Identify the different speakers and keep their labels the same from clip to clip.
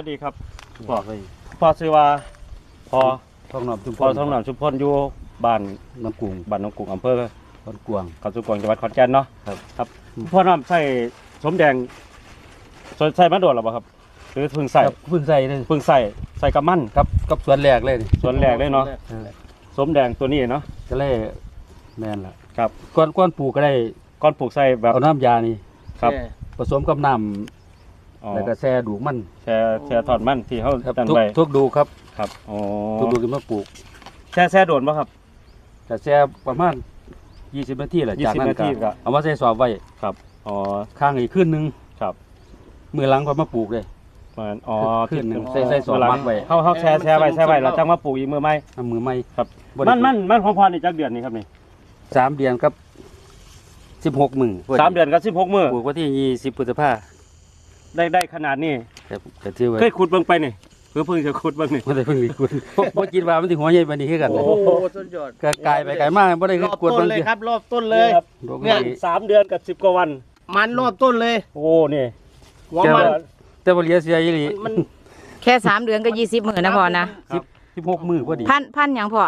Speaker 1: ดีครับพ่อชื่อว่าพ่อ
Speaker 2: ท้องหนอมชุมพ
Speaker 1: พ่อ
Speaker 2: ร
Speaker 1: ท้องหนามชุมพลอยู่บ้าน
Speaker 2: น้ำกุ้ง
Speaker 1: บ้านหนองกุ้งอำเภอ
Speaker 2: บ้านกวาง
Speaker 1: เขาสุกวางจังหวัดขอนแก่นเนาะ
Speaker 2: ครับ
Speaker 1: ครับพ่อน้ำใส่สมแดงใส่มาโดดหรือเปล่าครับหรือเพิ่งใส่
Speaker 2: ครับเพิ่งใส่เลย
Speaker 1: เพิ่งใส่กับมัน
Speaker 2: กับสวนแรกเลยนี่
Speaker 1: ส่วนแรกเลยเนาะสมแดงตัวนี้เนาะ
Speaker 2: ก็เลยแม่นละ
Speaker 1: ครับ
Speaker 2: ก้อนปลูกก็ได้
Speaker 1: ก้อนปลูกใส่แบบ
Speaker 2: เอาน้ำยานี่
Speaker 1: ครับ
Speaker 2: ผสมกับน้
Speaker 1: อ๋อ
Speaker 2: ำแล้วก็แช่ดูกมัน
Speaker 1: แช่ถอดมันที่เขา
Speaker 2: ครับ
Speaker 1: ตั้ง
Speaker 2: ทุก
Speaker 1: ไว้
Speaker 2: ทุกดูครับ
Speaker 1: ครับอ๋อ
Speaker 2: ทุกดูกินมาปลูก
Speaker 1: แช่โดนป่ะครับ
Speaker 2: แต่แช่ประมาณ20 นาทีแหละจากนั้น
Speaker 1: 20นาทีก็
Speaker 2: ก็เอามาใส่สอบไว้
Speaker 1: ครับอ๋อ
Speaker 2: ข้างอีกขึ้นนึง
Speaker 1: ครับ
Speaker 2: มือหลังก็มาปลูกเลย
Speaker 1: มันอ๋อ
Speaker 2: ขึ้นหนึ่ง
Speaker 1: ขึ้
Speaker 2: ใส่สอบ
Speaker 1: เวลา
Speaker 2: มัดไว้
Speaker 1: เขาแช่ไว้แล้วจังมาปลูกอีกมือไหม
Speaker 2: ทำมือไม่
Speaker 1: ครับ
Speaker 2: บ่ได้
Speaker 1: มันของพ่อนี่จักเดือนนี่ครับนี่
Speaker 2: 3 เดือนกับ16 มื้อ
Speaker 1: 3 เดือนกับ16 มื้อ
Speaker 2: ปลูกวันที่20 พฤษภา
Speaker 1: ได้ขนาดนี้
Speaker 2: ครับก็ถือว่า
Speaker 1: เคยขุดเบิ่งไปนี่เพิ่งจะขุดเบิ่งนี่
Speaker 2: บ่ได้เพิ่งมีกุดบ่คิดว่ามันสิหัวใหญ่ปานนี้คือกัน
Speaker 3: โอ้โหสุดยอด
Speaker 2: ก็กลายไปไกลมากบ่ได้
Speaker 3: ร
Speaker 2: คือ
Speaker 3: อบ
Speaker 2: กวด
Speaker 3: ต้
Speaker 2: เบิ่
Speaker 3: น
Speaker 2: ง
Speaker 3: เลยครับรอบต้นเลย
Speaker 1: ครับ
Speaker 2: เนี่
Speaker 1: เนี่ย ย3 เดือนกับ10 กว่าวัน
Speaker 3: มันรอบต้นเลย
Speaker 1: โอ้นี่
Speaker 3: หัวมัน
Speaker 2: แต่บ่เหลียเสียอีหลี
Speaker 3: มัน
Speaker 4: แค่3 เดือนก็20 มื้อนะพ่อนะ
Speaker 2: 16 มื้อพอดี
Speaker 4: พันหยังพ่อ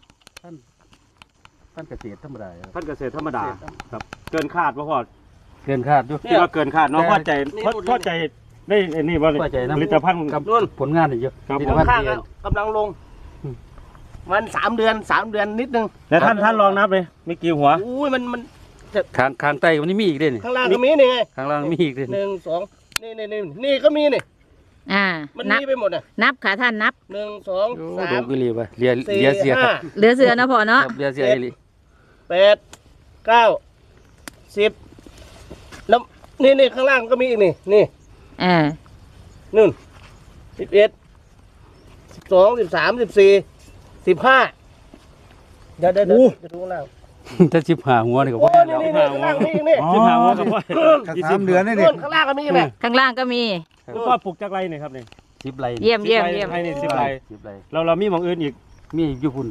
Speaker 2: ท่านเกษตรธรรมดาครับ
Speaker 1: ท่านเกษตรธรรมดาครับเกินคาดบ่พอ
Speaker 2: เกินคาดอยู่
Speaker 1: คิดว่าเกินคาดเนาะพอใจได้ไอ้นี่บ่
Speaker 2: พอใจนะ
Speaker 1: ผลิตภัณฑ์
Speaker 2: กับผลงานนี่เยอะ
Speaker 1: ครับ
Speaker 2: ผลิตภัณฑ์
Speaker 3: ข้าง
Speaker 2: ที่
Speaker 3: ๆกำลังลง มัน3 เดือนนิดนึง
Speaker 1: แล้วท่านลองนับเลยมีกี่หัว
Speaker 3: อุ้ยมัน
Speaker 2: ข้างใต้มันนี่มีอีกเด้นี่
Speaker 3: ข้างล่างก็มีนี่ไง
Speaker 2: ข้างล่างมีอีกเด้นี่
Speaker 3: 1 2นี่ก็มีนี่
Speaker 4: อ่า
Speaker 3: มัน
Speaker 4: นับ
Speaker 3: มีไปหมดอ่ะ
Speaker 4: นับค่ะท่านนับ
Speaker 3: 1 2
Speaker 2: โอ้โห
Speaker 3: 3
Speaker 2: อีหลีว่ะเหลียเสีย
Speaker 4: เหลือเสือนะพ่อ
Speaker 2: ค
Speaker 4: เนาะ
Speaker 2: รับเหลียเสียอีหลี
Speaker 3: 8 9 10แล้วนี่ข้างล่างก็มีอีกนี่
Speaker 4: อ่า
Speaker 3: นู่น11 12 13 14 15เดี๋ยวจะดูข้างล่าง
Speaker 2: ถ้า15หัวนี่ก็
Speaker 3: โอ้
Speaker 2: บ่
Speaker 3: นี่ข้างล่างมีอีกนี่
Speaker 1: 15หัวกับพ่อ
Speaker 2: 3 เดือนนี่
Speaker 3: นู่นข้างล่างก็มีอีกนี่
Speaker 4: ข้างล่างก็มี
Speaker 1: พ่อปลูกจักไรนี่ครับนี่
Speaker 2: 10ไร่
Speaker 4: เยี่ยม
Speaker 1: ให้นี่10 ไร
Speaker 2: 10ไร่
Speaker 1: เรามีหม่องอื่นอีก
Speaker 2: มีอยู่พุ่น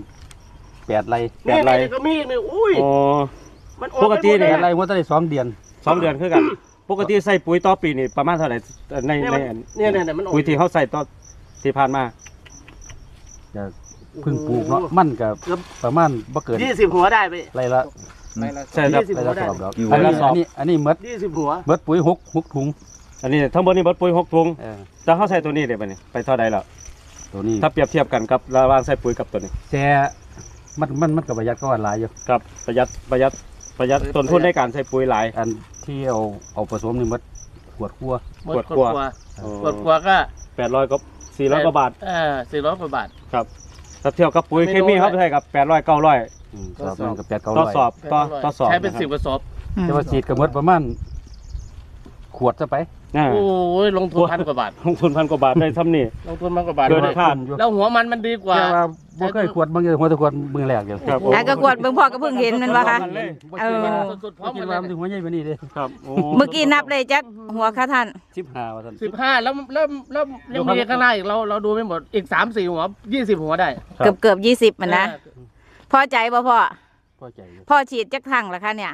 Speaker 2: 8ไร่
Speaker 3: นี่
Speaker 1: ไร
Speaker 3: ก็มีอีกนี่อุ้ย
Speaker 1: อ๋อ
Speaker 3: มัน
Speaker 1: ปกติเนี่ย
Speaker 2: 8ไร่หัวตั้งได้2 เดือน
Speaker 1: 2 เดือนคือกัน ปกติใส่ปุ๋ยต่อปีนี่ประมาณเท่าไหร่ใน
Speaker 3: เนี่ยมันออก
Speaker 1: ปุ๋ยที่เขาใส่ต่อที่ผ่านมา
Speaker 2: จะเพิ่งปลูกเนาะมันก็ประมาณบ่เกิน
Speaker 3: 20 หัวได้ไป
Speaker 2: ไร่ละ
Speaker 1: ใช่ครับ
Speaker 3: 20
Speaker 2: ไร่ละสอบดอก
Speaker 1: ไร่ละสอบ
Speaker 2: อันนี้หมด
Speaker 3: 20 หัว
Speaker 2: เบิดปุ๋ย6ถุง
Speaker 1: อันนี้ทั้งหมดนี่เบิดปุ๋ย6 ถุง
Speaker 2: เออ
Speaker 1: แต่เขาใส่ตัวนี้เดี๋ยวไปนี่ไปเท่าใดแล้ว
Speaker 2: ตัวนี้
Speaker 1: ถ้าเปรียบเทียบกันกับระหว่างใส่ปุ๋ยกับตัวนี้
Speaker 2: แช่มันก็ประหยัดก็ว่าหลายอยู่
Speaker 1: ครับประหยัดต้นทุนในการใส่ปุ๋ยหลาย
Speaker 2: อันที่เอาผสมนี่หมดขวดคั่ว
Speaker 1: ขวดกว่า
Speaker 3: ขวดกว่าก็
Speaker 1: 800กับ400กว่าบาท
Speaker 3: 400 กว่าบาท
Speaker 1: ครับถ้าเทียบกับปุ๋ยเคมีเขาใช้กับ800 900
Speaker 2: สอบนึงกับ8 9
Speaker 1: ต่อส
Speaker 2: 0
Speaker 1: อบต่อสอบ
Speaker 3: ใช้เป็น
Speaker 1: นะครับ
Speaker 3: 10 กระสอบ
Speaker 2: แต่ว่าฉีดก็หมดประมาณขวดซะไป
Speaker 1: อ่า
Speaker 3: โอ้ยลงทุน1,000 กว่าบาท
Speaker 1: ลงทุน1,000 กว่าบาทได้ซ้ำนี่
Speaker 3: ลงทุน1,000 กว่าบาท
Speaker 1: เกินคาด
Speaker 3: แล้วหัวมันดีกว่า
Speaker 2: แต่ว่าบ่เคยขวดบางอย่างหัวแตะขวดมือแรกอยู่
Speaker 1: ครับ
Speaker 4: แล้วก็กวดเบิ่งพ่อก็เพิ่งเห็นมันว่าคะ
Speaker 2: บ่
Speaker 4: เอ
Speaker 2: คิด
Speaker 4: อ
Speaker 2: ว่า
Speaker 3: สุดๆพร้
Speaker 2: บ่
Speaker 3: อม
Speaker 2: คิ
Speaker 3: กั
Speaker 2: ด
Speaker 3: น
Speaker 2: ว่ามัน
Speaker 3: เล
Speaker 2: สิ
Speaker 3: ย
Speaker 2: หัวใหญ่ปานนี้เด้
Speaker 1: ครับโอ้
Speaker 4: เมื่อกี้นับเลยจักหัวค่ะท่าน
Speaker 2: 15ว่าซั่น
Speaker 3: 15แล้วยังมีข้างหน้าอีกเราดูไม่หมดอีก 3-4 หัว 20 หัวได้
Speaker 4: เกือบ20มันนะพอใจบ่พ่อ
Speaker 2: พอใจอยู่
Speaker 4: พ่อฉีดจักครั้งละคะเนี่ย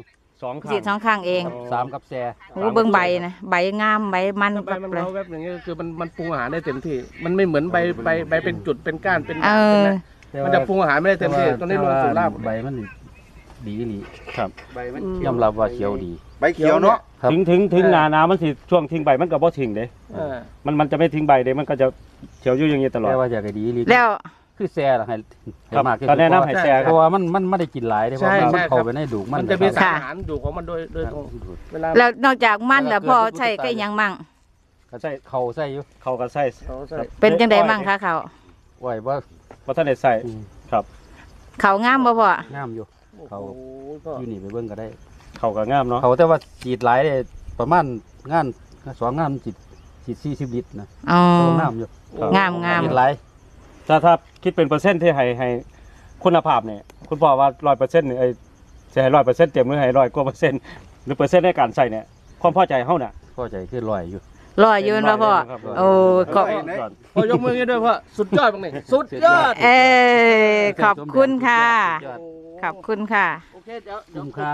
Speaker 2: 2
Speaker 1: 2
Speaker 4: ฉีด2 ครั้งเอง
Speaker 2: 3กับแซ่
Speaker 4: โอ้เบิ่งใบนะใบงามใบมัน
Speaker 3: ใบ
Speaker 4: แบบ
Speaker 3: มัน
Speaker 4: เลย
Speaker 3: เล้าแวบอย่างเงี้ยคือมันปรุงอาหารได้เต็มที่ มันไม่เหมือนใบเป็นจุดเป็นก้านเป็น
Speaker 4: เออ
Speaker 3: มันจะปรุงอาหารไม่ได้เต็มที่ตอนนี้ลงสู่ราก
Speaker 2: ใบมันดีอีหลี
Speaker 1: ครับ
Speaker 3: ใบมัน
Speaker 2: ยอมรับว่าเขียวดี
Speaker 5: ใบเขียวเนาะ
Speaker 2: ครับ
Speaker 1: ถึงหนามันสิช่วงทิ้งใบมันก็บ่ทิ้งเด้มันจะไม่ทิ้งใบเด้มันก็จะเขียวอยู่อย่างนี้ตลอด
Speaker 2: แต่ว่าอยากให้ดีอีหลี
Speaker 4: แล้ว
Speaker 2: คือแซ่ล่ะให้
Speaker 1: ครับ
Speaker 2: มากที่
Speaker 1: ก็
Speaker 2: สุด
Speaker 1: แนะนำให้แซ่ค
Speaker 2: เพ
Speaker 1: รับ
Speaker 2: ราะว่ามันไม่ได้กินหลายเด้เพราะมันเข้าไปในดูกมัน
Speaker 3: มันจะมี
Speaker 2: นะค
Speaker 3: สา
Speaker 2: รับ
Speaker 3: รอาหารอยู่ของมันโดยตรงเวลา
Speaker 4: แล้วนอกจากมันแล้วพ่อใช้ก็ยังมั่ง
Speaker 2: ก็ใส่เข่าใส่อยู่
Speaker 1: เขาก็ใส่
Speaker 3: เขาใส่
Speaker 4: เป็นจังไดมั่งคะเขา
Speaker 2: ไว้ว่า
Speaker 1: บ่ทันได้ใส่ครับ
Speaker 4: เขางามบ่พ่อ
Speaker 2: งามอยู่ เขา
Speaker 3: โอ้โหก็
Speaker 2: อยู่นี่ไปเบิ่งก็ได้
Speaker 1: เขาก็งามเนาะ
Speaker 2: เขาแต่ว่าฉีดหลายเลยประมาณงาน2 งานฉีด40 ลิตรนะ
Speaker 4: อ๋อ
Speaker 2: ก็งามอยู่
Speaker 4: งามงาม
Speaker 2: ฉีดหลาย
Speaker 1: ถ้าคิดเป็นเปอร์เซ็นต์ที่ให้คุณภาพเนี่ยคุณบอกว่า 100%นี่จะให้ 100%เต็มหรือให้100 กว่าเปอร์เซ็นต์หรือเปอร์เซ็นต์ในการใส่เนี่ยความพอใจเฮาน่ะ
Speaker 2: พอใจคือลอยอยู่
Speaker 4: รอยืนบ่พ่อโอ้ขอบ
Speaker 3: พอยกมืออย่างนี้ด้วยพ่อสุดยอดบ้างนี่สุดยอด
Speaker 4: ขอบคุณค่ะ ขอบคุณค่ะ
Speaker 3: โอเคเดี๋ยว
Speaker 2: คุ้มค่า